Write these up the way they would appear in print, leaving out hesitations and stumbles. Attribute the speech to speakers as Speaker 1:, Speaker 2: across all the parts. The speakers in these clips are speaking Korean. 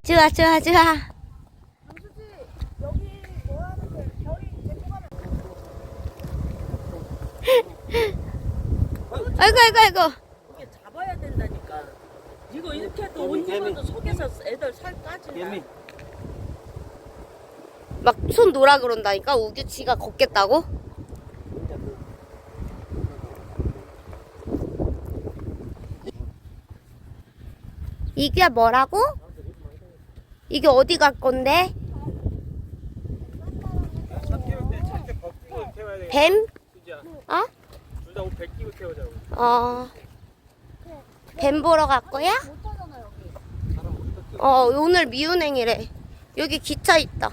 Speaker 1: 좋아, 좋아, 좋아.
Speaker 2: 여기 뭐 하는데 별이 데리고 가면
Speaker 1: 아이고, 아이고, 아이고.
Speaker 2: 이게 잡아야 된다니까. 이거 이렇게 해도 온지마도 속에서 애들 살 까진다.
Speaker 1: 막 손 놓으라 그런다니까 우규치가 걷겠다고? 이게 뭐라고? 이게 어디 갈 건데? 뱀? 어?
Speaker 3: 둘다 옷 벗기고 태우자고.
Speaker 1: 뱀 보러 갈 거야? 오늘 미운행이래. 여기 기차 있다.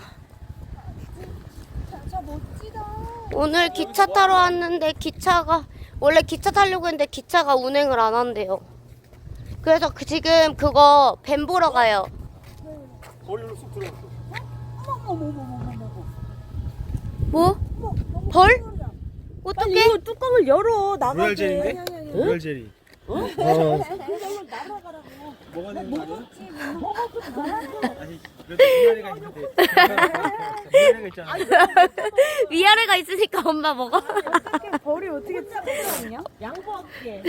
Speaker 2: 저 멋지다.
Speaker 1: 오늘 기차 타러 왔는데 기차가 원래 기차 타려고 했는데 기차가 운행을 안 한대요. 그래서 지금 그거 뱀 보러 가요.
Speaker 3: 거리로 쑥 들어갔어.
Speaker 2: 어머머머머머머머.
Speaker 1: 뭐? 벌? 어떻게?
Speaker 2: 이거 뚜껑을 열어 나가게.
Speaker 3: 로얄 젤리인데? 로얄 젤리.
Speaker 2: 이걸로 날아가라고.
Speaker 3: 뭐가 되는 거 아니야?
Speaker 2: 먹었지.
Speaker 3: 아니, 그래도 위아래가 있는데. 위아래가 있잖아.
Speaker 1: 위아래가 있으니까 엄마 먹어.
Speaker 2: 어떻게 벌이 어떻게 뜯어졌냐? 양보할게.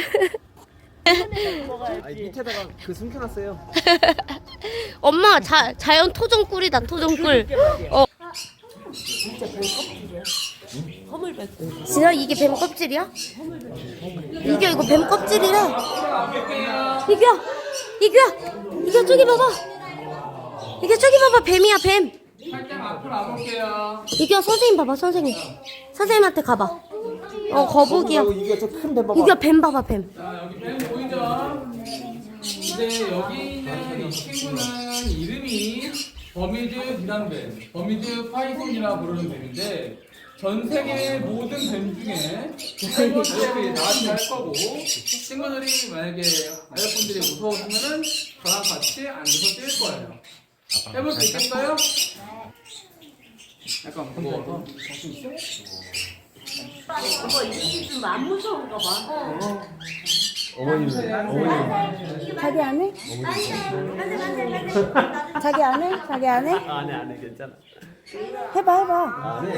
Speaker 3: 아니, 밑에다가 그 숨겨놨어요.
Speaker 1: 엄마 자연 토종꿀이다 토종꿀.
Speaker 2: 진짜 뱀 껍질이야. 허물뱉어.
Speaker 1: 진짜 이게 뱀 껍질이야? 이게 이거 뱀 껍질이래. 이게 저기 봐봐. 이게 저기 봐봐 뱀이야 뱀.
Speaker 4: 살짝 앞으로 와볼게요.
Speaker 1: 이게 선생님 봐봐 선생님. 선생님한테 가봐. 거북이야.
Speaker 3: 이게 저큰 뱀 봐봐.
Speaker 1: 이게 뱀 봐봐 뱀.
Speaker 4: 자, 여기 뱀 보이죠? 이제 여기 있는 이 친구는 이름이 버미드 비단뱀, 버미드 파이손이라 부르는 뱀인데 전 세계 모든 뱀 중에 두 번째로 나한테 할 거고 친구들이 만약에 아이분들이 무서우시면은 저랑 같이 앉아서 뛸 거예요. 해볼 수 있겠어요? 약간 무거워서.
Speaker 2: 안 무서운가 봐.
Speaker 3: 어머님.
Speaker 2: 자기 안 해? 자기 안 해? 자기 안 해?
Speaker 3: 안 해, 괜찮아.
Speaker 2: 해봐.
Speaker 3: 안 해.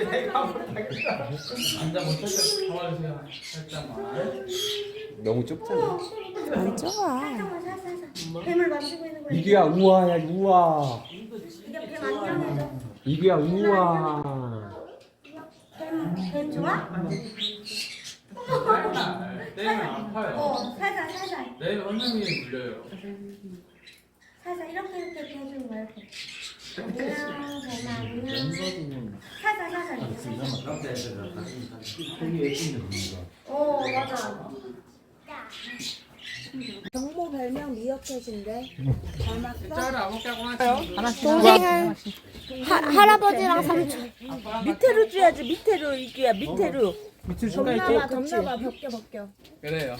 Speaker 4: 앉아 못하게 잡아주세요. 살짝만.
Speaker 3: 너무 좁잖아.
Speaker 2: 안 좋아.
Speaker 1: 뱀을 만지고 있는 거야.
Speaker 3: 이규야, 우와야, 우와.
Speaker 1: 이게 뱀 안녕해줘.
Speaker 3: 이규야, 우와.
Speaker 1: 뱀 좋아?
Speaker 4: 살살. 때리면 아파요.
Speaker 1: 살살.
Speaker 4: 내일 선생님이 물려요.
Speaker 1: 살살 이렇게 해주는 거야. 안녕 뱀아. 살살. 맞아.
Speaker 2: 경모 별명 미어캣인데.
Speaker 4: 짤을 아무렇게 하고
Speaker 1: 동생은 할아버지랑 삼촌.
Speaker 2: 밑에로 줘야지. 밑에로 이규야. 밑에로.
Speaker 3: 밑에
Speaker 2: 덮나봐. 벗겨.
Speaker 4: 그래요.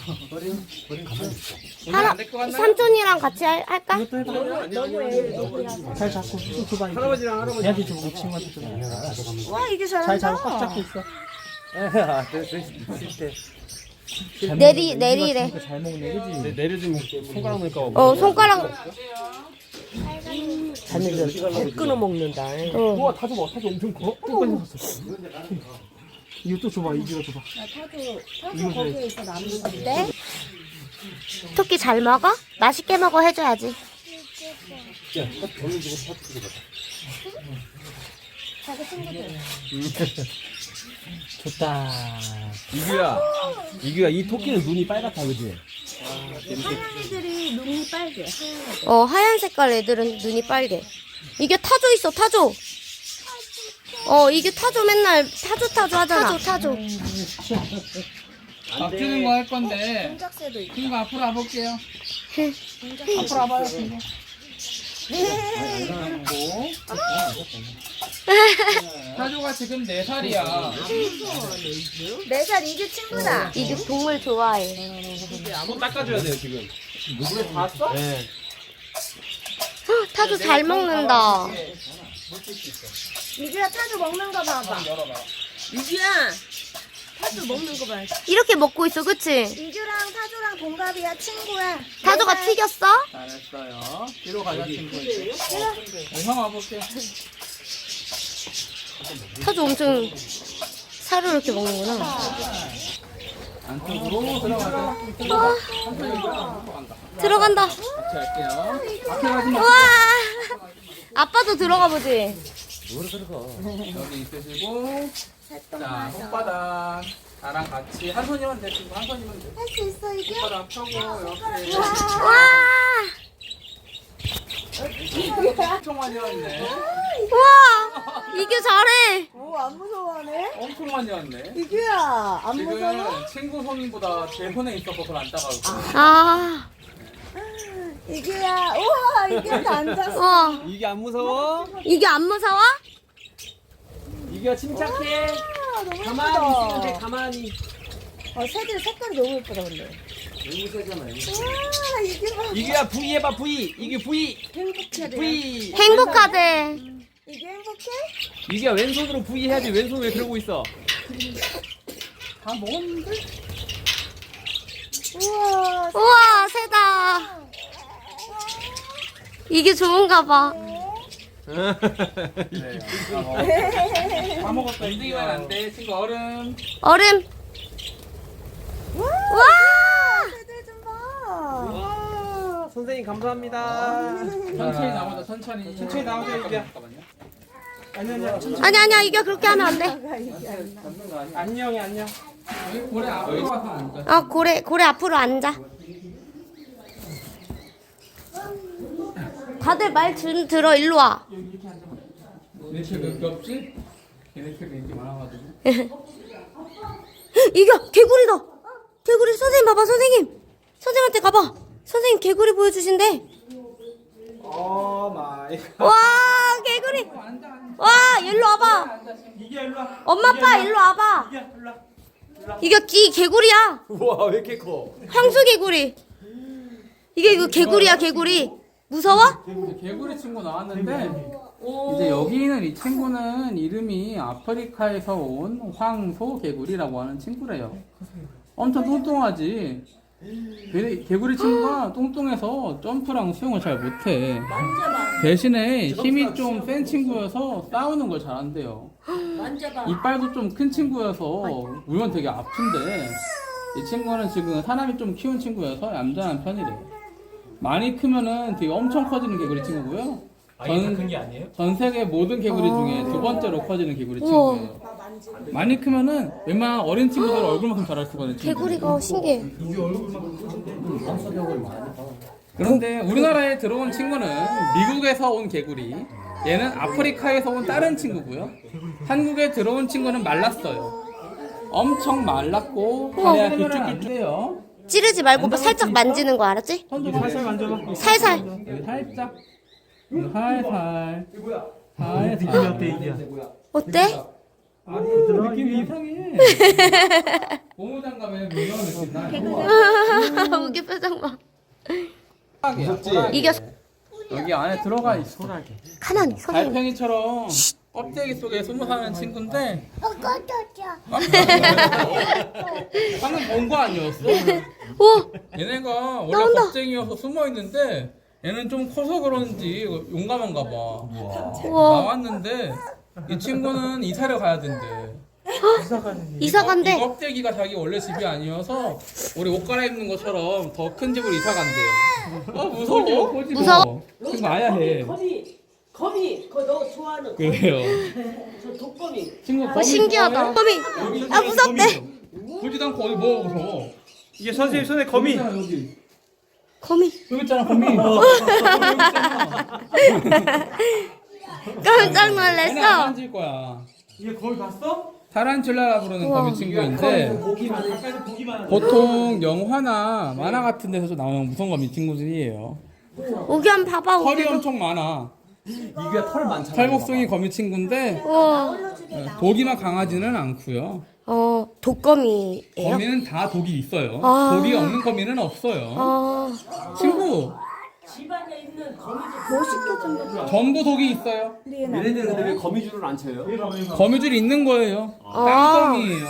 Speaker 1: 삼촌이랑 같이 할까?
Speaker 3: 잘 잡고 쭉 줘봐. 할아버지랑 할아버지. 얘한테 좀 친구한테 좀.
Speaker 2: 와 이게 잘한다.
Speaker 3: 잘 잡고 꽉 잡고 있어.
Speaker 1: 내리래.
Speaker 3: 잘 먹네, 그지? 내려주면 손가락 넣을까 봐.
Speaker 1: 손가락.
Speaker 2: 자네들 끊어 먹는다.
Speaker 3: 우와, 타조 봐. 타조 엄청 커. 끝까지 갔어. 이거 또 줘봐. 이거 줘봐.
Speaker 2: 타조 거기에 있어 남는 건데.
Speaker 1: 토끼 잘 먹어? 맛있게 먹어 해줘야지.
Speaker 3: 야, 얼른 주고 타조 줘봐.
Speaker 2: 자기 친구들.
Speaker 3: 좋다. 이규야, 이 토끼는 눈이 빨갛다, 그지?
Speaker 2: 하얀 애들이 눈이 빨개. 하얀 애들.
Speaker 1: 하얀 색깔 애들은 눈이 빨개. 이게 타조 있어, 타조. 이게 타조 맨날 타조 하잖아. 타조.
Speaker 4: 바뀌는 거 할 건데
Speaker 2: 공작새도 있고.
Speaker 4: 친구 앞으로 와볼게요. 앞으로 와봐요. 친구. 타조가 지금 4살이야.
Speaker 2: 4살 이규 친구다.
Speaker 1: 이게 동물 좋아해.
Speaker 3: 손 닦아줘야 돼요, 지금. 물에 봤어? 네.
Speaker 1: 타조 잘 먹는다.
Speaker 2: 이규야 타조 먹는 거 봐봐.
Speaker 4: 열어봐.
Speaker 2: 이규야 타조 먹는 거 봐.
Speaker 1: 이렇게 먹고 있어, 그치?
Speaker 5: 이규랑 타조랑 동갑이야, 친구야.
Speaker 1: 타조가 튀겼어?
Speaker 4: 잘했어요. 뒤로 가자 친구. 형 와볼게.
Speaker 1: 타조 엄청 살을 이렇게 먹는구나.
Speaker 4: 안쪽으로 들어가자.
Speaker 1: 들어간다.
Speaker 4: 같이 할게요. 앞에 가지 마.
Speaker 1: 우와! 아빠도 들어가 보지.
Speaker 4: 여기 있으시고. 자, 손바닥. 나랑 같이 한 손이면 돼. 친구 한 손이면 돼.
Speaker 5: 할 수 있어, 이규?
Speaker 4: 손바닥 펴고 이렇게.
Speaker 1: 와!
Speaker 4: 엄청 많이 왔네.
Speaker 1: 우와! 이게 잘해.
Speaker 5: 오, 안 무서워하네?
Speaker 4: 엄청 많이 왔네.
Speaker 5: 이규야, 안
Speaker 4: 지금
Speaker 5: 무서워?
Speaker 4: 친구 손보다 제 손에 있어서 그걸 안 따가고.
Speaker 1: 아,
Speaker 5: 이규야, 우와, 이규한테 앉았어.
Speaker 1: 와.
Speaker 3: 이게 안 무서워?
Speaker 1: 이게 안 무서워?
Speaker 3: 이게 침착해.
Speaker 5: 아, 너무
Speaker 3: 가만히 있으면 돼.
Speaker 5: 예쁘다.
Speaker 3: 가만히.
Speaker 5: 새들 색깔이 너무 예쁘다, 근데.
Speaker 3: 너무 세잖아요.
Speaker 5: 우와, 이규 봐.
Speaker 3: 이게야 V 해봐 V. 이게 V.
Speaker 5: 행복해,
Speaker 3: V.
Speaker 1: 행복하대.
Speaker 5: 이규 행복해?
Speaker 3: 이게 왼손으로 V 해야지. 왼손 왜 그러고 있어?
Speaker 4: 다 먹었는데?
Speaker 5: 우와,
Speaker 1: 우와, 새다. 이게 좋은가 봐.
Speaker 4: 네. 다 먹었다. 움직이면 안 돼. 친구 얼음.
Speaker 1: 얼음. 와!
Speaker 5: 새들 좀 봐.
Speaker 3: 와, 선생님 감사합니다.
Speaker 4: 천천히 나오자. 천천히.
Speaker 3: 천천히 나오자, 이게.
Speaker 4: 잠깐만요.
Speaker 3: 아니야.
Speaker 1: 아니야, 이게 그렇게 하면 안 돼.
Speaker 4: 잡는 거 아니야?
Speaker 3: 안녕이 안녕.
Speaker 4: 여기 고래 앞으로 가서 앉아.
Speaker 1: 아, 고래 앞으로 앉아. 다들 말 들어, 일로 와.
Speaker 4: 이렇게 몇 개 없지? 걔네들 인기 많아가지고.
Speaker 1: 이게 개구리다. 개구리 선생님 봐봐, 선생님. 선생님한테 가봐. 선생님 개구리 보여주신대.
Speaker 3: 오 마이.
Speaker 1: 와, 개구리. 와, 일로 와봐.
Speaker 3: 이게 일로 와.
Speaker 1: 엄마, 아빠 일로 와봐.
Speaker 3: 이게 일로 와.
Speaker 1: 이게 개구리야.
Speaker 3: 우와 왜 이렇게 커?
Speaker 1: 황소 개구리. 이거 개구리야, 개구리. 무서워?
Speaker 4: 개구리 친구 나왔는데 이제 여기 있는 이 친구는 이름이 아프리카에서 온 황소 개구리라고 하는 친구래요. 엄청 뚱뚱하지. 개구리 친구가 뚱뚱해서 점프랑 수영을 잘 못해.
Speaker 2: 만져봐.
Speaker 4: 대신에 힘이 좀 센 친구여서 싸우는 걸 잘한대요.
Speaker 2: 만져봐.
Speaker 4: 이빨도 좀 큰 친구여서 울면 되게 아픈데 이 친구는 지금 사람이 좀 키운 친구여서 얌전한 편이래. 많이 크면은 되게 엄청 커지는 개구리 친구고요.
Speaker 3: 큰게 아니에요?
Speaker 4: 전 세계 모든 개구리 중에 두 번째로 커지는 개구리
Speaker 1: 우와.
Speaker 4: 친구예요. 많이 크면은 웬만한 어린 친구들 얼굴만큼 자랄 수가 있는 친구.
Speaker 1: 개구리가 신기해.
Speaker 4: 그런데 우리나라에 들어온 친구는 미국에서 온 개구리. 얘는 아프리카에서 온 다른 친구고요. 한국에 들어온 친구는 말랐어요. 엄청 말랐고 다리가 길쭉길쭉해요.
Speaker 1: 찌르지 말고 살짝 만지는 거 알았지?
Speaker 3: 살살 만져봐.
Speaker 1: 살살.
Speaker 4: 여기 살짝, 여기 살살,
Speaker 3: 느낌이
Speaker 4: 살살.
Speaker 3: 어때 이게?
Speaker 1: 어때?
Speaker 4: 느낌이 이상해. 고무장갑에 물려온 느낌 나.
Speaker 1: 우기 표정 봐.
Speaker 4: 무섭지?
Speaker 1: 이게
Speaker 4: 여기 안에 들어가 있어.
Speaker 1: 가만히 선생님.
Speaker 4: 달팽이처럼 껍데기 속에 숨어 사는 친구인데 방금 본 거 아니었어?
Speaker 1: 오,
Speaker 4: 얘네가 원래
Speaker 1: 나온다.
Speaker 4: 겁쟁이여서 숨어 있는데 얘는 좀 커서 그런지 용감한가 봐.
Speaker 1: 우와.
Speaker 4: 나왔는데 이 친구는 이사를 가야 된대.
Speaker 1: 이사
Speaker 4: 이
Speaker 1: 간대.
Speaker 4: 껍데기가 자기 원래 집이 아니어서 우리 옷 갈아입는 것처럼 더 큰 집으로 이사 간대요. 무서워.
Speaker 1: 무서워?
Speaker 4: 지금 아야 해.
Speaker 2: 거미, 그거 너 좋아하는 거미.
Speaker 4: 그래요.
Speaker 2: 저 독거미.
Speaker 4: 친구
Speaker 1: 어, 신기하다. 거미. 아, 무섭대.
Speaker 4: 보지도 않고 어디 뭐 무서워.
Speaker 3: 이게 선생님 손에 거미.
Speaker 4: 여기.
Speaker 1: 거미.
Speaker 4: 여기 있잖아 거미.
Speaker 1: 깜짝
Speaker 4: 얘네 안
Speaker 1: 놀랐어.
Speaker 4: 만질 거야.
Speaker 3: 이게 거미 봤어?
Speaker 4: 타란툴라라 부르는
Speaker 1: 우와.
Speaker 4: 거미 친구인데
Speaker 3: 보기만 가까이서 보기만 하는.
Speaker 4: 보통 영화나 만화 같은 데서 나오는 무서운 거미 친구들이에요.
Speaker 1: 우기 한번 봐봐.
Speaker 4: 털이
Speaker 1: 우기도.
Speaker 4: 엄청 많아.
Speaker 3: 이게 털 많잖아.
Speaker 4: 털목성이 거미 친구인데
Speaker 1: 우와.
Speaker 4: 독이나 강하지는 않고요.
Speaker 1: 독거미예요?
Speaker 4: 거미는 다 독이 있어요.
Speaker 1: 아.
Speaker 4: 독이 없는 거미는 없어요. 친구
Speaker 2: 집안에 있는 거미들.
Speaker 5: 멋있게 좀.
Speaker 4: 전부 독이 있어요.
Speaker 3: 얘네들은 근데 왜 거미줄을 안 쳐요?
Speaker 4: 거미줄이 있는 거예요.
Speaker 1: 아.
Speaker 4: 땅거미예요.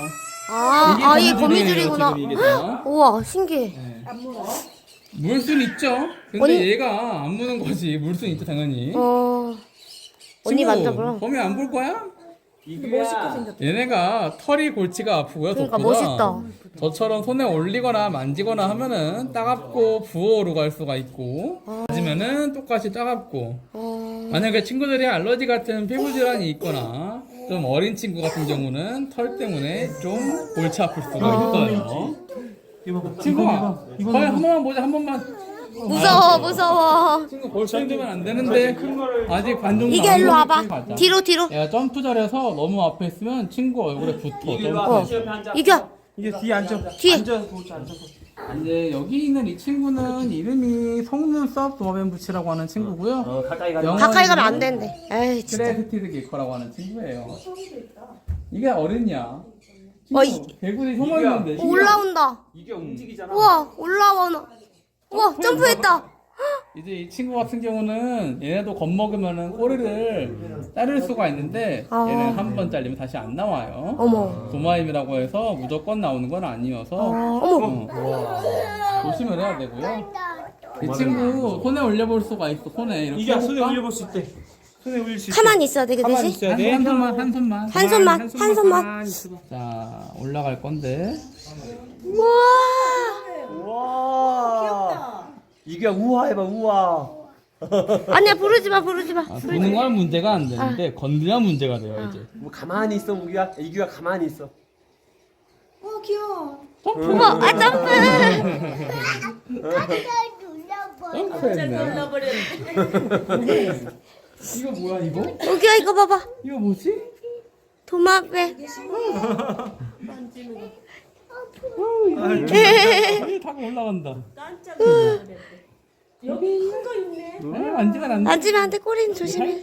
Speaker 1: 이게 거미줄이구나.
Speaker 4: 지금 이게 다.
Speaker 1: 우와, 신기해.
Speaker 4: 네.
Speaker 5: 안 물어?
Speaker 4: 물 수는 있죠. 근데
Speaker 1: 언니-
Speaker 4: 얘가 안 무는 거지. 물 수는 있죠 당연히.
Speaker 1: 언니
Speaker 4: 친구,
Speaker 1: 만져보라.
Speaker 4: 범이 안 볼 거야?
Speaker 5: 멋있게 생겼다.
Speaker 4: 얘네가 털이 골치가 아프고요.
Speaker 1: 그러니까
Speaker 4: 덕보다.
Speaker 1: 멋있다.
Speaker 4: 저처럼 손에 올리거나 만지거나 하면은 따갑고 부어오르갈 수가 있고 맞으면은 똑같이 따갑고 만약에 친구들이 알러지 같은 피부 질환이 있거나 좀 어린 친구 같은 경우는 털 때문에 좀 골치 아플 수가 있어요.
Speaker 3: 이거 봐봐.
Speaker 4: 친구야,
Speaker 3: 이거
Speaker 4: 거의 한 번만 보자, 한 번만.
Speaker 1: 무서워.
Speaker 4: 친구 골치 힘들면 안 되는데 아직 반 정도
Speaker 1: 이게
Speaker 4: 안
Speaker 1: 일로
Speaker 4: 먹은
Speaker 1: 와봐.
Speaker 4: 가자.
Speaker 1: 뒤로.
Speaker 4: 얘가 점프 잘해서 너무 앞에 있으면 친구 얼굴에 붙어. 점프.
Speaker 1: 이겨.
Speaker 3: 이게 뒤에 앉아.
Speaker 1: 뒤에.
Speaker 3: 앉아서 보자. 앉아서.
Speaker 4: 이제 여기 있는 이 친구는 이름이 속눈썹 도마뱀부치라고 하는 친구고요.
Speaker 3: 가까이 가.
Speaker 1: 가까이 가면 안 된대. 에이, 진짜.
Speaker 4: 크레스티드 게커라고 하는 친구예요. 이게 어른이야. 개구리 혀만 있는데.
Speaker 1: 올라온다.
Speaker 3: 이게 움직이잖아.
Speaker 1: 우와, 올라와. 우와, 점프했다.
Speaker 4: 이제 이 친구 같은 경우는 얘네도 겁먹으면은 꼬리를 자를 수가 있는데 얘는 한 번 잘리면 다시 안 나와요.
Speaker 1: 어머.
Speaker 4: 도마임이라고 해서 무조건 나오는 건 아니어서
Speaker 1: 어머.
Speaker 4: 조심을 해야 되고요. 이 친구 손에 올려볼 수가 있어. 손에 이렇게
Speaker 3: 이게 손에
Speaker 4: 해볼까?
Speaker 3: 올려볼 수 있대. 손에 올릴 수 있대.
Speaker 1: 가만히 있어야 돼, 그
Speaker 3: 가만히
Speaker 1: 대신.
Speaker 3: 있어야 돼.
Speaker 4: 한 손만, 한 손만.
Speaker 1: 한 손만.
Speaker 3: 가만히 있어봐.
Speaker 4: 자, 올라갈 건데.
Speaker 1: 우와.
Speaker 3: 우와.
Speaker 5: 귀엽다.
Speaker 3: 이게 우와 해봐 우와.
Speaker 1: 아니야, 부르지 마.
Speaker 4: 보는 건 문제가 안 되는데 건드려 문제가 돼요 이제.
Speaker 3: 뭐 가만히 있어 우기야. 이기가 가만히 있어.
Speaker 5: 귀여워.
Speaker 1: 어머, 점프.
Speaker 4: 점프했네.
Speaker 2: 놀라버렸네.
Speaker 4: 이거 뭐야 이거?
Speaker 1: 여기야, 이거 봐봐.
Speaker 4: 이거 뭐지?
Speaker 1: 도마뱀.
Speaker 4: 여기 타고 올라간다.
Speaker 2: 깜짝 놀랐네. 여기 큰 거 있네.
Speaker 4: 만지면 안 돼.
Speaker 1: 만지면 안 돼, 꼬리는 조심해.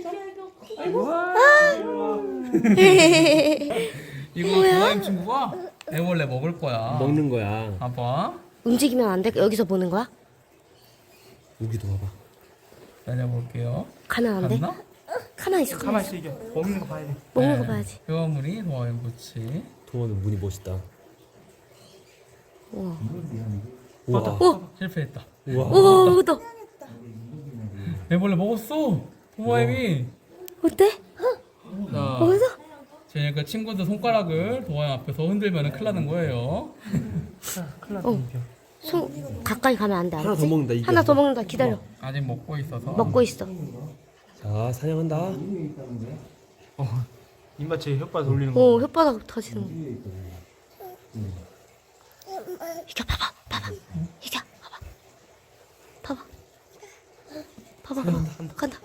Speaker 4: 이거 도마임 친구가 애벌레 먹을 거야.
Speaker 3: 먹는 거야.
Speaker 4: 봐봐.
Speaker 1: 움직이면 안 돼? 여기서 보는 거야?
Speaker 3: 우기도 봐봐.
Speaker 4: 내려볼게요.
Speaker 1: 가면 안 돼?
Speaker 4: 갔나?
Speaker 1: 가만히 있어.
Speaker 3: 가만히 있어 이게. 먹는 거 봐야 돼.
Speaker 1: 먹는 거 봐야지.
Speaker 4: 표현물이 도마임 부치.
Speaker 3: 도마는 문이 멋있다.
Speaker 1: 우와.
Speaker 3: 우와.
Speaker 4: 실패했다.
Speaker 3: 우와.
Speaker 1: 우와, 너
Speaker 4: 애벌레 먹었어. 도마임이.
Speaker 1: 어때?
Speaker 4: 자,
Speaker 1: 먹었어?
Speaker 4: 제가 친구들 손가락을 도마임 앞에서 흔들면 큰일 나는 거예요.
Speaker 1: 손 가까이 가면 안 돼.
Speaker 3: 하나
Speaker 1: 알았지?
Speaker 3: 더 먹는다 이게.
Speaker 1: 하나 더 먹는다. 기다려.
Speaker 4: 아직 먹고 있어서.
Speaker 1: 먹고 있어.
Speaker 3: 자 사냥한다. 입맛에 혓바닥 올리는
Speaker 1: 혓바닥 터지는 거. 이겨 봐봐. 이겨 봐봐. 간다.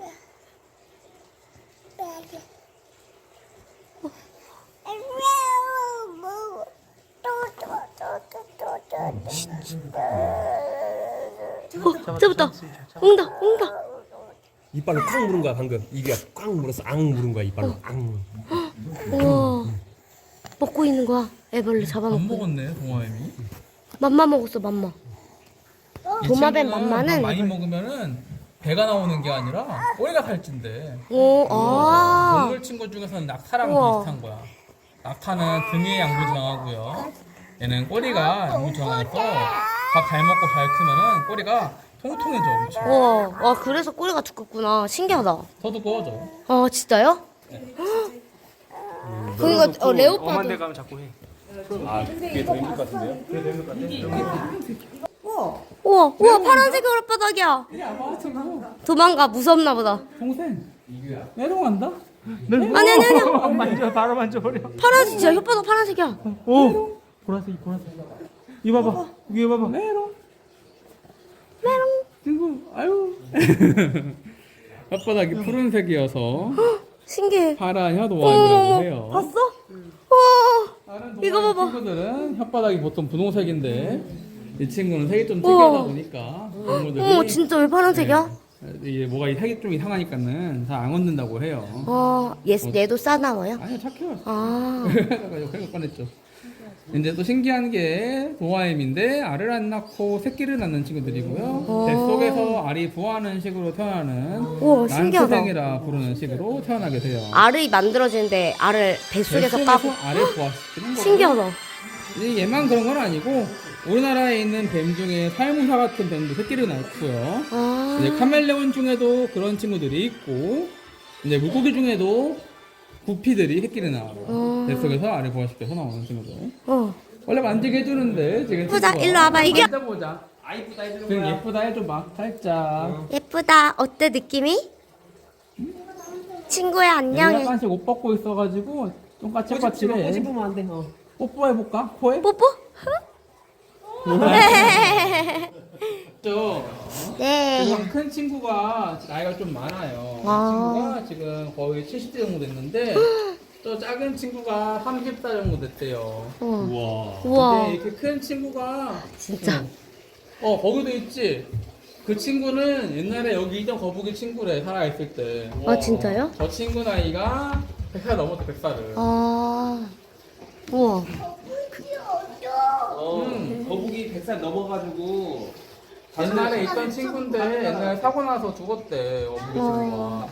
Speaker 1: 잡았다. 옹다.
Speaker 3: 이빨로 꽉 물은 거야 방금. 이게 꽉 물어서 앙 물은 거야 이빨로 앙.
Speaker 1: 우와. 먹고 있는 거야. 애벌레
Speaker 4: 안
Speaker 1: 잡아먹고.
Speaker 4: 먹었네 도마임이.
Speaker 1: 맘마 먹었어, 맘마.
Speaker 4: 이
Speaker 1: 도마뱀
Speaker 4: 친구는
Speaker 1: 맘마는
Speaker 4: 밥 많이
Speaker 1: 이걸-
Speaker 4: 먹으면은 배가 나오는 게 아니라 꼬리가 살찐대.
Speaker 1: 오, 아.
Speaker 4: 동물 친구 중에서는 낙타랑
Speaker 1: 우와.
Speaker 4: 비슷한 거야. 낙타는 등에 양부장하고요. 얘는 꼬리가 양부장해서 밥 잘 먹고 잘 크면은 꼬리가 통통해져. 엄청.
Speaker 1: 와, 그래서 꼬리가 두껍구나. 신기하다.
Speaker 4: 더 두꺼워져.
Speaker 1: 아, 진짜요? 그러니까 레오파드.
Speaker 3: 가면 자꾸 해.
Speaker 1: 우와, 파란색 오랫바닥이야. 도망가, 무섭나 보다.
Speaker 4: 동생. 내려간다?
Speaker 1: 아니.
Speaker 3: 만져 바로 만져버려.
Speaker 1: 파란색, 진짜 혓바닥 파란색이야.
Speaker 3: 오. 보라색. 이거 봐봐. 이거 봐봐.
Speaker 4: 메롱. 친구, 아유. 혓바닥이 푸른색이어서
Speaker 1: 신기해.
Speaker 4: 파란 혀도와이라고
Speaker 1: 어머,
Speaker 4: 해요.
Speaker 1: 봤어? 우와,
Speaker 4: 다른
Speaker 1: 이거
Speaker 4: 동물
Speaker 1: 봐봐.
Speaker 4: 친구들은 혓바닥이 보통 분홍색인데 이 친구는 색이 좀 특이하다 보니까 동물들이
Speaker 1: 어머, 진짜 왜 파란색이야?
Speaker 4: 이게 뭐가 이 색이 좀 이상하니까는 잘 안 걷는다고 해요.
Speaker 1: 얘도 싸나워요?
Speaker 4: 아니요, 착해요.
Speaker 1: 아,
Speaker 4: 그래서 꺼냈죠. 이제 또 신기한 게 도마임인데 알을 안 낳고 새끼를 낳는 친구들이고요. 뱃속에서 알이 부화하는 식으로 태어나는
Speaker 1: 우와, 신기하다.
Speaker 4: 난초생이라 부르는 식으로 태어나게 돼요.
Speaker 1: 알이 만들어지는데 알을 뱃속에서 까고.
Speaker 4: 알을 부화시키는 거예요.
Speaker 1: 신기하다.
Speaker 4: 이제 얘만 그런 건 아니고 우리나라에 있는 뱀 중에 살무사 같은 뱀도 새끼를 낳고요.
Speaker 1: 아.
Speaker 4: 이제 카멜레온 중에도 그런 친구들이 있고, 이제 물고기 중에도 구피들이 새끼를 낳아요. 뱃속에서 알을 부화시켜서 나오는 친구들. 원래 만지게 해주는데 지금
Speaker 1: 예쁘다.
Speaker 4: 친구가
Speaker 1: 일로 와봐. 이게
Speaker 4: 만져보자.
Speaker 3: 아이쁘다 해주는
Speaker 4: 지금
Speaker 3: 거야.
Speaker 4: 예쁘다 해줘봐. 살짝.
Speaker 1: 예쁘다. 어때 느낌이? 친구야
Speaker 4: 얘
Speaker 1: 안녕해.
Speaker 4: 약간씩 옷 벗고 있어가지고 좀 까칠까칠해.
Speaker 3: 꼬집으면 안 돼.
Speaker 4: 뽀뽀해볼까? 코에?
Speaker 1: 뽀뽀?
Speaker 4: 저
Speaker 1: 네.
Speaker 4: 지금 큰 친구가 나이가 좀 많아요.
Speaker 1: 아.
Speaker 4: 친구가 지금 거의 70대 정도 됐는데 또 작은 친구가 30살 정도 됐대요.
Speaker 3: 우와.
Speaker 1: 우와.
Speaker 4: 근데 이렇게 큰 친구가
Speaker 1: 진짜.
Speaker 4: 거기도 있지. 그 친구는 옛날에 여기 있던 거북이 친구래, 살아있을 때.
Speaker 1: 아 진짜요?
Speaker 4: 저 친구 나이가 100살 넘었어, 100살을.
Speaker 1: 아. 우와.
Speaker 3: 거북이 100살 넘어가지고
Speaker 4: 옛날에 있던 친구인데 옛날에 사고 나서 죽었대, 거북이 친구가.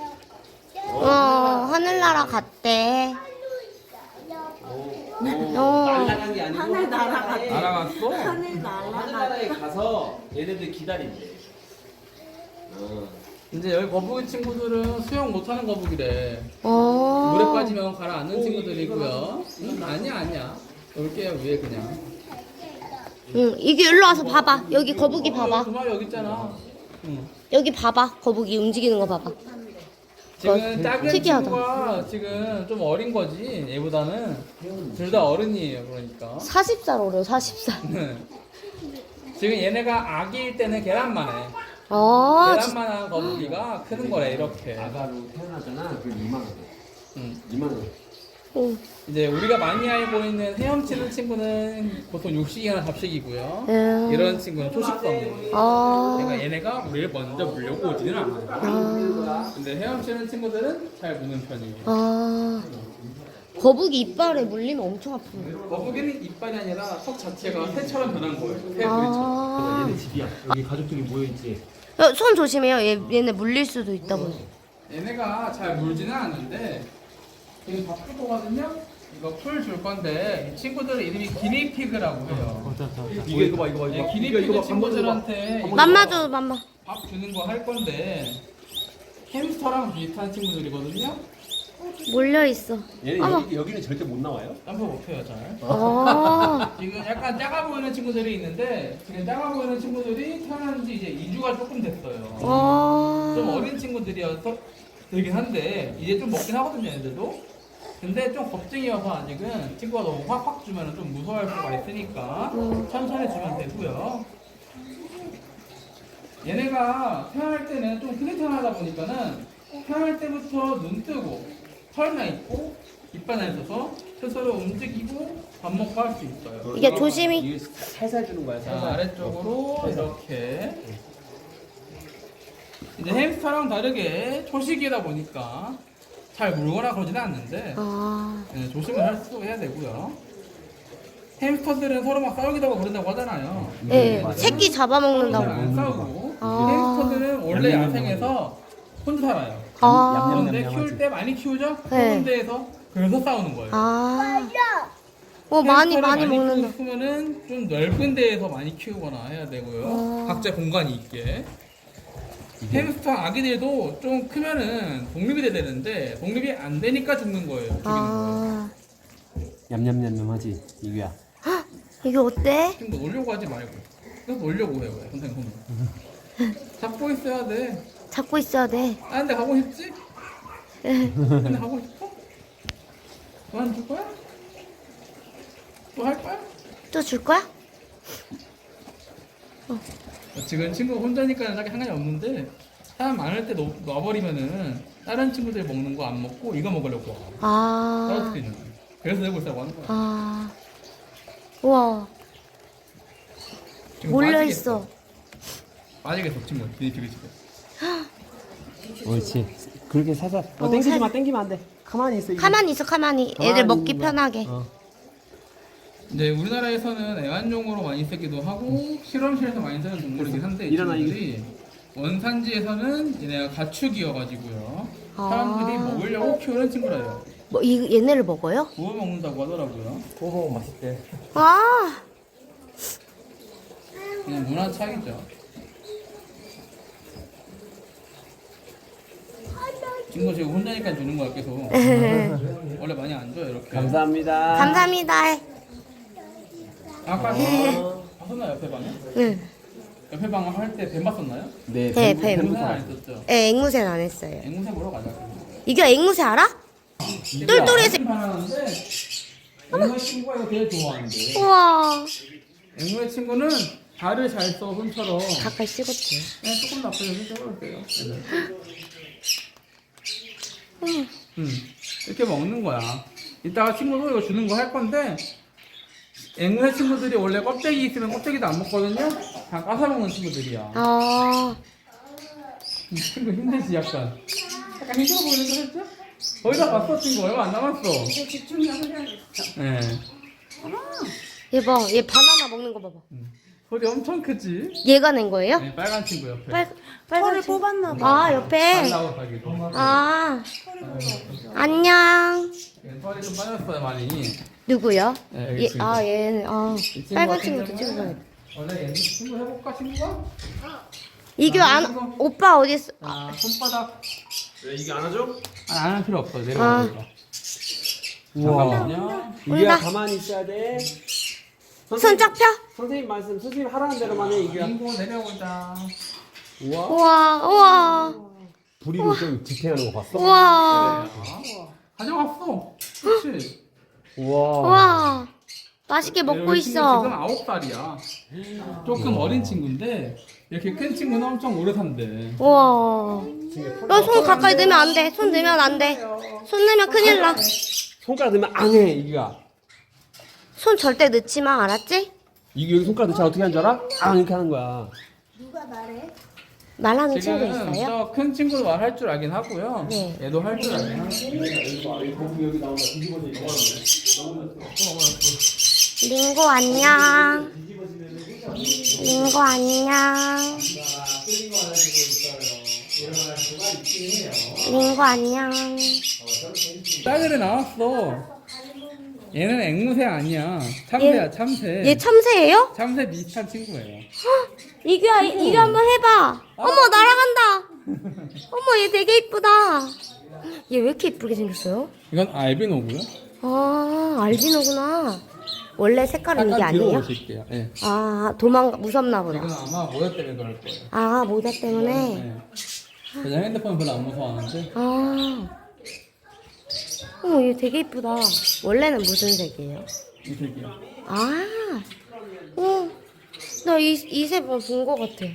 Speaker 1: 하늘나라 갔대.
Speaker 3: 날아간 게 아니고
Speaker 5: 하늘 날아갔대.
Speaker 4: 날아갔어?
Speaker 5: 하늘 날아가.
Speaker 3: 하늘나라에 가서 얘네들 기다린대.
Speaker 4: 이제 여기 거북이 친구들은 수영 못하는 거북이래.
Speaker 1: 어.
Speaker 4: 물에 빠지면 가라앉는 친구들이고요. 아니야. 올게요, 위에 그냥.
Speaker 1: 응, 이게 일로 와서 봐봐. 여기 거북이
Speaker 4: 두
Speaker 1: 봐봐.
Speaker 4: 마리 여기 있잖아. 응.
Speaker 1: 여기 봐봐. 거북이 움직이는 거 봐봐.
Speaker 4: 지금 작은
Speaker 1: 특이하다.
Speaker 4: 친구가 지금 좀 어린 거지, 얘보다는. 둘 다 어른이에요, 그러니까.
Speaker 1: 40살 어려, 40살.
Speaker 4: 지금 얘네가 아기일 때는 계란만 해. 계란만한 거북이가 크는 거래, 이렇게.
Speaker 3: 아가로 태어나잖아. 그 2만 원.
Speaker 4: 응.
Speaker 3: 2만 원.
Speaker 1: 응.
Speaker 4: 이제 우리가 많이 알고 있는 헤엄치는 친구는 보통 육식이나 잡식이고요. 이런 친구는 초식성. 얘네가 우리를 먼저 물려고 오지는 않아요. 근데 헤엄치는 친구들은 잘 무는 편이에요.
Speaker 1: 거북이 이빨에 물리면 엄청 아프네.
Speaker 4: 거북이는 이빨이 아니라 턱 자체가 새처럼 변한 거예요. 새부리처럼.
Speaker 3: 얘네 집이야. 여기 가족들이 모여있지.
Speaker 1: 손 조심해요. 얘네 물릴 수도 있다고.
Speaker 4: 얘네가 잘 물지는 않는데 지금 밥 줄 거거든요. 이거 풀 줄 건데 이 친구들 이름이 기니피그라고 해요.
Speaker 3: 이거 봐.
Speaker 4: 네, 기니피그 친구들한테
Speaker 1: 맘마 줘, 맘마.
Speaker 4: 밥 주는 거 할 건데 햄스터랑 비슷한 친구들이거든요.
Speaker 1: 몰려 있어.
Speaker 3: 얘네
Speaker 1: 어머.
Speaker 3: 여기는 절대 못 나와요.
Speaker 4: 점프 못해요 잘. 지금 약간 작아 보이는 친구들이 있는데 지금 작아 보이는 친구들이 태어난 지 이제 2주가 조금 됐어요. 좀 어린 친구들이어서 되긴 한데 이제 좀 먹긴 하거든요 얘들도. 근데 좀 겁쟁이여서 아직은 친구가 너무 확확 주면 좀 무서워할 수가 있으니까 천천히 주면 되고요. 얘네가 태어날 때는 좀 크게 태어나다 보니까는 태어날 때부터 눈 뜨고 털나 있고 이빨 나 있어서 스스로 움직이고 밥 먹고 할 수 있어요.
Speaker 1: 이게 조심히.
Speaker 3: 이게 살살 주는 거야.
Speaker 4: 자,
Speaker 3: 살살.
Speaker 4: 아래쪽으로 이렇게 이제 햄스터랑 다르게 초식이다 보니까 잘 물거나 그러지는 않는데 네, 조심을 해야 되고요. 햄스터들은 서로 막 싸우기도 하고 그런다고 하잖아요.
Speaker 1: 네, 새끼
Speaker 4: 서로 잘
Speaker 1: 잡아먹는다고.
Speaker 4: 안 싸우고 햄스터들은 원래 야생에서 혼자 살아요. 그런데 키울 때 많이 키우죠?
Speaker 1: 네.
Speaker 4: 좁은 데에서 그래서 싸우는 거예요.
Speaker 1: 많이
Speaker 4: 햄스터를
Speaker 1: 먹는다.
Speaker 4: 키우고 싶으면은 좀 넓은 데에서 많이 키우거나 해야 되고요. 각자 공간이 있게. 햄스터 아기들도 좀 크면은 독립이 돼야 되는데 독립이 안 되니까 죽는 거예요. 죽이는 거예요.
Speaker 3: 냠냠냠냠하지 이거야.
Speaker 1: 이게 어때?
Speaker 4: 지금 뭐 놀려고 하지 말고 그래서 놀려고 해요. 왜? 선생님 손을 잡고 있어야 돼.
Speaker 1: 잡고 있어야 돼.
Speaker 4: 아 근데 가고 싶지? 근데 가고 싶어? 그만둘 거야? 또 할 거야?
Speaker 1: 또 줄 거야?
Speaker 4: 지금 친구가 혼자니까 딱히 상관이 없는데 사람 많을 때 놔버리면은 다른 친구들이 먹는 거 안 먹고 이거 먹으려고 와. 떨어뜨리는 거야. 그래서 내고 있다고 하는 거야.
Speaker 1: 우와.
Speaker 4: 지금
Speaker 1: 몰려
Speaker 4: 빠지겠어.
Speaker 1: 있어.
Speaker 4: 빠지겠어 친구 기니피그 집에.
Speaker 3: 옳지. 그렇게 살살. 땡기지 마. 땡기면 안 돼. 가만히 있어. 이거.
Speaker 1: 가만히 있어, 가만히. 애들
Speaker 3: 가만히
Speaker 1: 먹기
Speaker 3: 있는 거야.
Speaker 1: 편하게.
Speaker 4: 이제 우리나라에서는 애완용으로 많이 쓰기도 하고 실험실에서 많이 쓰는 동물이긴 한데 이
Speaker 3: 일어나,
Speaker 4: 친구들이 원산지에서는 얘네가 가축이어가지고요. 사람들이 먹으려고 키우는 친구라요.
Speaker 1: 뭐 얘네를 먹어요?
Speaker 4: 구워 먹는다고 하더라고요.
Speaker 3: 구워 먹으면 맛있대.
Speaker 1: 아,
Speaker 4: 그냥 문화 차이죠. 친구 지금 혼자니까 주는 거야 계속. 원래 많이 안 줘요 이렇게.
Speaker 3: 감사합니다.
Speaker 1: 감사합니다.
Speaker 4: 아까 봤었나요 옆에 방에?
Speaker 1: 응.
Speaker 4: 옆에 방 할 때 뱀 봤었나요?
Speaker 3: 네,
Speaker 1: 네,
Speaker 3: 뱀.
Speaker 1: 뱀.
Speaker 4: 뱀은 안 했었죠.
Speaker 1: 네, 앵무새는 안 했어요.
Speaker 4: 앵무새 보러 가자.
Speaker 1: 이게 앵무새 알아? 똘똘해서.
Speaker 4: 반하는데 앵무새 친구가 이거 되게 좋아하는데.
Speaker 1: 우와.
Speaker 4: 앵무새 친구는 발을 잘 써 손처럼.
Speaker 1: 가까이 찍었지.
Speaker 4: 그냥 조금 나쁘게 해줘볼게요. 이렇게 먹는 거야. 이따가 친구도 이거 주는 거 할 건데 앵무새 친구들이 원래 껍데기 있으면 껍데기도 안 먹거든요. 다 까서 먹는 친구들이야.
Speaker 1: 아,
Speaker 4: 이 친구 힘들지 약간. 약간 힘들어 보이는 거 했죠? 거의 다 봤어 친구. 얼마 안 남았어. 네.
Speaker 1: 얘 봐. 얘 바나나 먹는 거 봐봐.
Speaker 4: 소리 엄청 크지?
Speaker 1: 얘가 낸 거예요?
Speaker 4: 네, 빨간 친구 옆에.
Speaker 1: 빨간
Speaker 5: 털을
Speaker 1: 친구.
Speaker 5: 뽑았나 봐.
Speaker 1: 아, 옆에.
Speaker 4: 나오고 가기도.
Speaker 1: 아, 안녕.
Speaker 4: 네, 털이 좀 빠졌어요 많이.
Speaker 1: 누구요?
Speaker 4: 네, 여기
Speaker 1: 얘,
Speaker 4: 친구.
Speaker 1: 아, 얘는, 아,
Speaker 4: 친구
Speaker 1: 빨간
Speaker 4: 같은
Speaker 1: 친구도
Speaker 4: 경우는
Speaker 1: 찍어봐야 돼.
Speaker 4: 원래 얘 친구 해볼까 친구가?
Speaker 1: 이규 안, 오빠 어디 있어?
Speaker 4: 아 손바닥.
Speaker 3: 왜 이게 안 하죠?
Speaker 4: 안 할 필요 없어.
Speaker 1: 아.
Speaker 4: 내려와. 잠깐만요.
Speaker 3: 이게
Speaker 1: 온다.
Speaker 3: 가만히 있어야 돼.
Speaker 1: 손 쫙 펴?
Speaker 3: 선생님 말씀, 선생님 하라는 대로만 해, 이게.
Speaker 4: 인고 내려오자.
Speaker 3: 우와.
Speaker 1: 우와, 우와,
Speaker 3: 부리고 좀 지탱하는 거 봤어?
Speaker 1: 우와,
Speaker 4: 가져갔어. 그렇지.
Speaker 3: 우와.
Speaker 1: 우와. 맛있게 먹고
Speaker 4: 이 친구
Speaker 1: 있어.
Speaker 4: 지금 9살이야. 조금 어린 친구인데 이렇게 큰 친구는 엄청 오래 산대.
Speaker 1: 우와. 너 손 가까이 넣으면 안 돼. 손 넣으면 안 돼. 손 넣으면 큰일 나.
Speaker 3: 손가락 넣으면 안 해, 이기가.
Speaker 1: 손 절대 넣지 마, 알았지?
Speaker 3: 이게 여기 손가락 넣자 어떻게 하는 줄 알아? 아, 이렇게 하는 거야.
Speaker 1: 말하는 친구
Speaker 4: 지금
Speaker 1: 있어요?
Speaker 4: 저 큰 친구도 말할 줄 알긴 하고요.
Speaker 1: 네.
Speaker 4: 얘도 할 줄 알긴 하고.
Speaker 1: 링고 안녕. 링고 안녕. 링고 안녕.
Speaker 4: 딸들이 나왔어. 얘는 앵무새 아니야. 참새야, 참새.
Speaker 1: 얘 참새예요?
Speaker 4: 참새 비슷한 친구예요.
Speaker 1: 이규야, 이규 한번 해봐. 어머, 날아간다. 어머, 얘 되게 이쁘다. 얘 왜 이렇게 이쁘게 생겼어요?
Speaker 4: 이건 알비노고요.
Speaker 1: 아, 알비노구나. 원래 색깔은 이게
Speaker 4: 약간 뒤로
Speaker 1: 아니에요?
Speaker 4: 오실게요. 네.
Speaker 1: 아, 무섭나 보다.
Speaker 4: 이건 아마 모자 때문에 그럴 거예요.
Speaker 1: 아, 모자 때문에?
Speaker 4: 네. 그냥 핸드폰 별로 안 무서워하는데.
Speaker 1: 아. 얘 되게 이쁘다. 원래는 무슨 색이에요?
Speaker 4: 이 색이요.
Speaker 1: 아. 나 이 새 본 거 같아.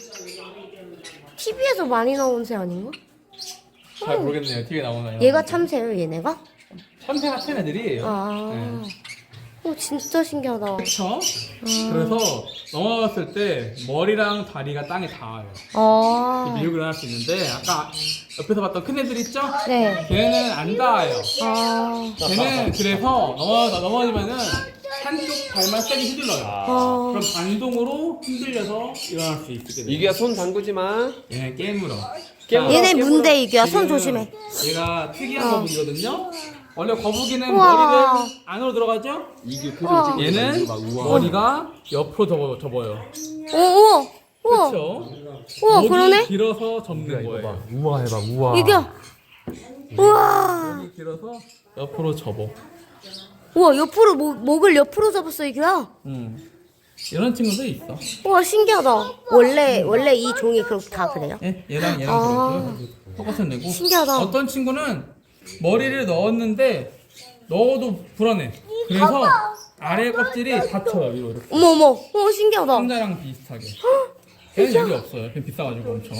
Speaker 1: TV에서 많이 나온 새 아닌가?
Speaker 4: 잘 모르겠네요. TV에 나오나요?
Speaker 1: 얘가 참새예요, 얘네가?
Speaker 4: 참새 같은 애들이에요.
Speaker 1: 아.
Speaker 4: 네.
Speaker 1: 진짜 신기하다.
Speaker 4: 그쵸? 그래서 넘어갔을 때 머리랑 다리가 땅에 닿아요.
Speaker 1: 아.
Speaker 4: 밀고 일어날 수 있는데 아까 옆에서 봤던 큰 애들 있죠?
Speaker 1: 네.
Speaker 4: 걔는 안 닿아요.
Speaker 1: 아.
Speaker 4: 걔는 그래서 넘어지면은 한쪽 발만 세게 휘둘러요.
Speaker 1: 아.
Speaker 4: 그럼 반동으로 흔들려서 일어날 수 있게 돼요.
Speaker 3: 이기가 손 담그지 마.
Speaker 4: 얘는 깨물어.
Speaker 3: 깨물어.
Speaker 1: 얘네 문대 이규야. 손
Speaker 4: 지금
Speaker 1: 조심해.
Speaker 4: 얘가 특이한 거북이거든요. 원래 거북이는
Speaker 1: 우와.
Speaker 4: 머리를 안으로 들어가죠?
Speaker 3: 이기 표정 찍고
Speaker 4: 얘는
Speaker 3: 있는 거 봐. 우와.
Speaker 4: 머리가 옆으로 접어요.
Speaker 1: 오, 우와.
Speaker 4: 그렇죠?
Speaker 1: 우와,
Speaker 4: 목이
Speaker 1: 그러네?
Speaker 4: 길어서 접는
Speaker 3: 이거 봐.
Speaker 4: 거예요.
Speaker 3: 우와 해봐. 우와.
Speaker 1: 이규야. 우와.
Speaker 4: 목이 길어서 옆으로 접어.
Speaker 1: 우와, 옆으로, 목을 옆으로 접었어, 이규야.
Speaker 4: 이런 친구도 있어.
Speaker 1: 우와, 신기하다. 원래 이 종이 다 그래요?
Speaker 4: 예, 얘랑
Speaker 1: 아.
Speaker 4: 그렇고요. 똑같은 애고.
Speaker 1: 신기하다.
Speaker 4: 어떤 친구는 머리를 넣었는데 넣어도 불안해. 그래서 아래 껍질이 닫혀요 위로 이렇게.
Speaker 1: 어머, 신기하다.
Speaker 4: 상자랑 비슷하게. 걔는 여기 없어요. 걔 비싸가지고 엄청.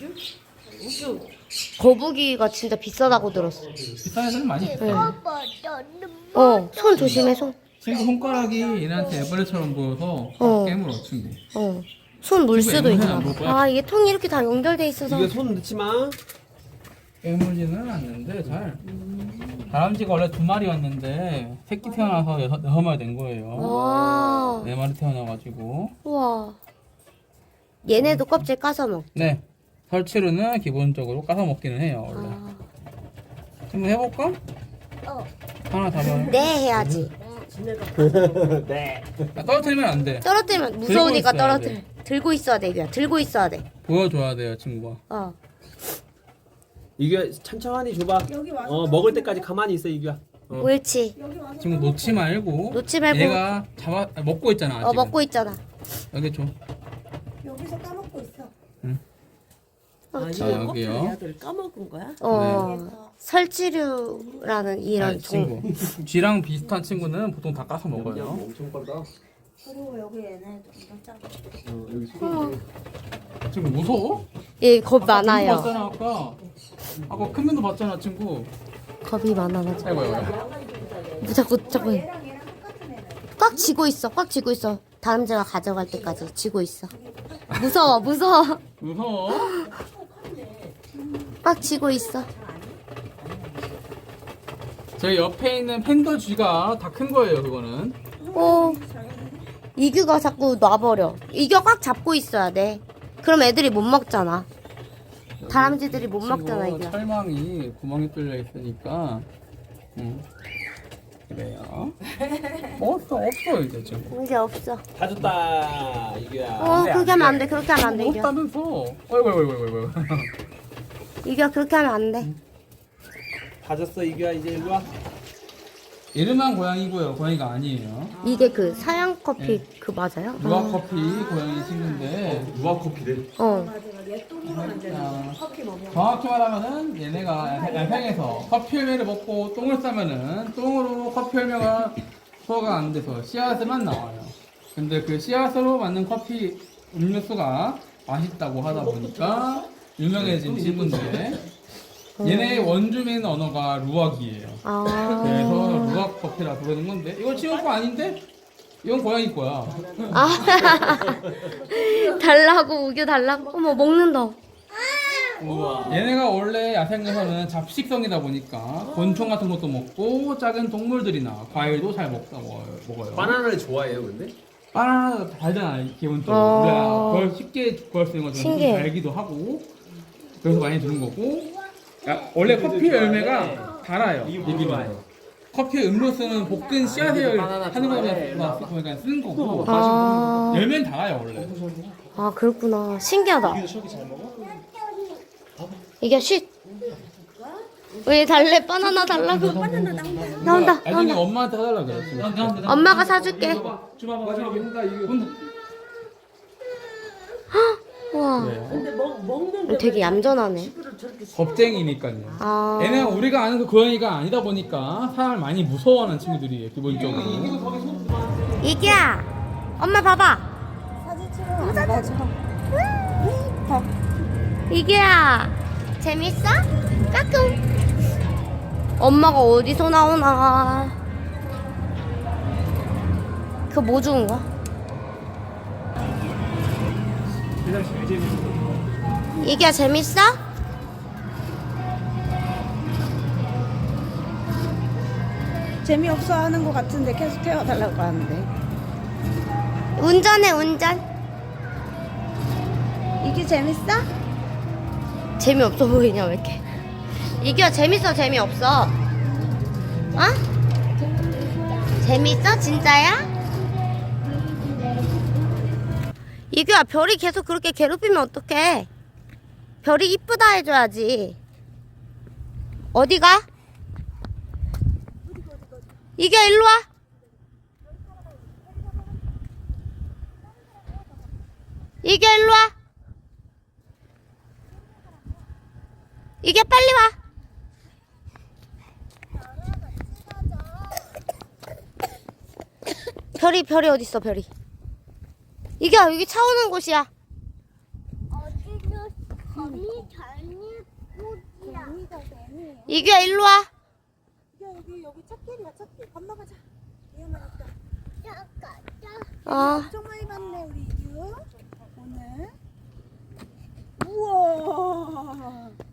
Speaker 1: 거북이가 진짜 비싸다고 들었어.
Speaker 4: 비싼 애들은 많이 있어요.
Speaker 1: 손 조심해, 손.
Speaker 4: 친구 손가락이 얘네한테 애벌레처럼 보여서 깨물어 친구.
Speaker 1: 손 물 수도
Speaker 4: 앵무새는
Speaker 1: 있나
Speaker 4: 안
Speaker 1: 봐.
Speaker 4: 볼 거야?
Speaker 1: 아, 이게 통이 이렇게 다 연결돼 있어서.
Speaker 3: 이게 손 넣지 마.
Speaker 4: 깨물지는 않는데 잘. 다람쥐가 원래 2마리였는데 새끼 태어나서 6마리 된 거예요.
Speaker 1: 와,
Speaker 4: 4마리 태어나가지고.
Speaker 1: 우와. 얘네도 껍질 까서 먹.
Speaker 4: 네. 설치류는 기본적으로 까서 먹기는 해요 원래.
Speaker 1: 아,
Speaker 4: 한번 해볼까? 하나 다 봐요.
Speaker 1: 네 해야지.
Speaker 3: 네.
Speaker 4: 떨어뜨리면 안 돼.
Speaker 1: 떨어뜨리면 무서우니까
Speaker 4: 들고 있어야
Speaker 1: 떨어뜨려. 들고 있어야 돼 이거야. 들고 있어야 돼.
Speaker 4: 보여줘야 돼요, 친구가.
Speaker 1: 어.
Speaker 3: 이규야 천천히 줘봐. 먹을 때까지 가만히 있어 이규야.
Speaker 1: 옳지.
Speaker 4: 친구 놓지 말고.
Speaker 1: 놓지 말고.
Speaker 4: 얘가 먹고 있잖아.
Speaker 1: 어
Speaker 4: 지금.
Speaker 1: 먹고 있잖아.
Speaker 4: 여기 줘.
Speaker 5: 여기서 까먹고 있어.
Speaker 2: 아,
Speaker 4: 자,
Speaker 2: 이거
Speaker 4: 여기요.
Speaker 2: 커피를 애들 까먹은 거야?
Speaker 1: 어. 설치류라는 이런
Speaker 4: 아니, 친구. 쥐랑 비슷한 친구는 보통 다 까서 먹어요.
Speaker 3: 엄청 빨다.
Speaker 5: 그리고 여기 얘네도 엄청 작아.
Speaker 3: 여기 소리.
Speaker 4: 친구 무서워?
Speaker 1: 예, 겁
Speaker 4: 아까 큰
Speaker 1: 많아요.
Speaker 4: 거 봤잖아 아까. 아까 큰 면도 봤잖아 친구.
Speaker 1: 겁이 많아가지고.
Speaker 4: 아이고.
Speaker 1: 자꾸
Speaker 5: 얘랑 똑같은 애네.
Speaker 1: 꽉 쥐고 있어. 꽉 쥐고 있어. 다람쥐가 가져갈 때까지 쥐고 있어. 무서워. 무서워.
Speaker 4: 무서워?
Speaker 1: 꽉 쥐고 있어.
Speaker 4: 저희 옆에 있는 팬더 쥐가 다 큰 거예요 그거는.
Speaker 1: 어. 이규가 자꾸 놔버려. 이규 꽉 잡고 있어야 돼. 그럼 애들이 못 먹잖아. 다람쥐들이 못 먹잖아
Speaker 4: 친구
Speaker 1: 이규.
Speaker 4: 철망이 구멍이 뚫려 있으니까. 그래요. 없어 이제 지금.
Speaker 1: 이제 없어.
Speaker 3: 다 줬다 이규야.
Speaker 1: 그렇게 하면 안 돼. 그렇게 하면 안 돼, 이규.
Speaker 4: 없다면서. 어이구.
Speaker 1: 이규 그렇게 하면 안 돼.
Speaker 3: 다 줬어 이규야 이제 일로 와.
Speaker 4: 이름한 고양이고요. 고양이가 아니에요.
Speaker 1: 이게 그 사양 커피 그 맞아요?
Speaker 4: 루아 커피 고양이 친구인데.
Speaker 3: 누가 커피래?
Speaker 1: 어.
Speaker 4: 정확히 말하면은 얘네가 야생에서 커피 열매를 먹고 똥을 싸면은 똥으로 커피 열매가 소화가 안 돼서 씨앗만 나와요. 근데 그 씨앗으로 만든 커피 음료수가 맛있다고 하다 보니까 유명해진 친구인데 얘네의 원주민 언어가 루악이에요.
Speaker 1: 아.
Speaker 4: 그래서 루악 커피라 부르는 건데 이거 친구 거 아닌데? 이건 고양이 거야.
Speaker 1: 아. 달라고 우겨 달라고. 어머 먹는다.
Speaker 4: 얘네가 원래 야생에서는 잡식성이다 보니까 곤충 같은 것도 먹고 작은 동물들이나 과일도 잘 먹어요.
Speaker 3: 바나나를 좋아해요 근데?
Speaker 4: 바나나 달잖아 기본적으로.
Speaker 1: 어.
Speaker 4: 우리가 그걸 쉽게 구할 수 있는 것처럼
Speaker 1: 신기해.
Speaker 4: 달기도 하고 그래서 많이 주는 거고. 원래 커피 열매가 달아요. 이기는 커피 음료수는 볶은 씨앗을 하는 거니까 쓰는 거고
Speaker 1: 아.
Speaker 4: 열매는 달아요 원래.
Speaker 1: 아 그렇구나. 신기하다. 이게 쉿. 왜 달래 바나나 달라고? 나온다.
Speaker 4: 나중에 엄마한테 사달라 그래.
Speaker 1: 엄마가 사줄게. 우와.
Speaker 2: 근데 먹는 게
Speaker 1: 되게 얌전하네.
Speaker 4: 겁쟁이니까요.
Speaker 1: 아.
Speaker 4: 얘는 우리가 아는 그 고양이가 아니다 보니까 사람을 많이 무서워하는 친구들이에요 기본적으로.
Speaker 1: 이기야. 엄마 봐봐.
Speaker 5: 사진 찍어. 안 봐줘.
Speaker 1: 이기야. 재밌어? 까꿍. 엄마가 어디서 나오나. 그거 뭐 주는 거야? 이기야 재밌어?
Speaker 5: 재미없어 하는 것 같은데 계속 태워달라고 하는데.
Speaker 1: 운전해 운전.
Speaker 5: 이게 재밌어?
Speaker 1: 재미없어 보이냐 왜 이렇게. 이기야 재밌어 재미없어? 어? 재밌어 진짜야? 이규야 별이 계속 그렇게 괴롭히면 어떡해. 별이 이쁘다 해줘야지. 어디가? 이규야 일로와. 이규야 일로와. 이규야 빨리 와. 별이 어딨어 별이. 이규야 여기 차 오는 곳이야. 이규야 일로 와.
Speaker 5: 여기 찻길이야 찻길. 건너가자. 위험하니까.
Speaker 1: 어.
Speaker 5: 엄청 많이 봤네 우리 이규. 오늘. 우와.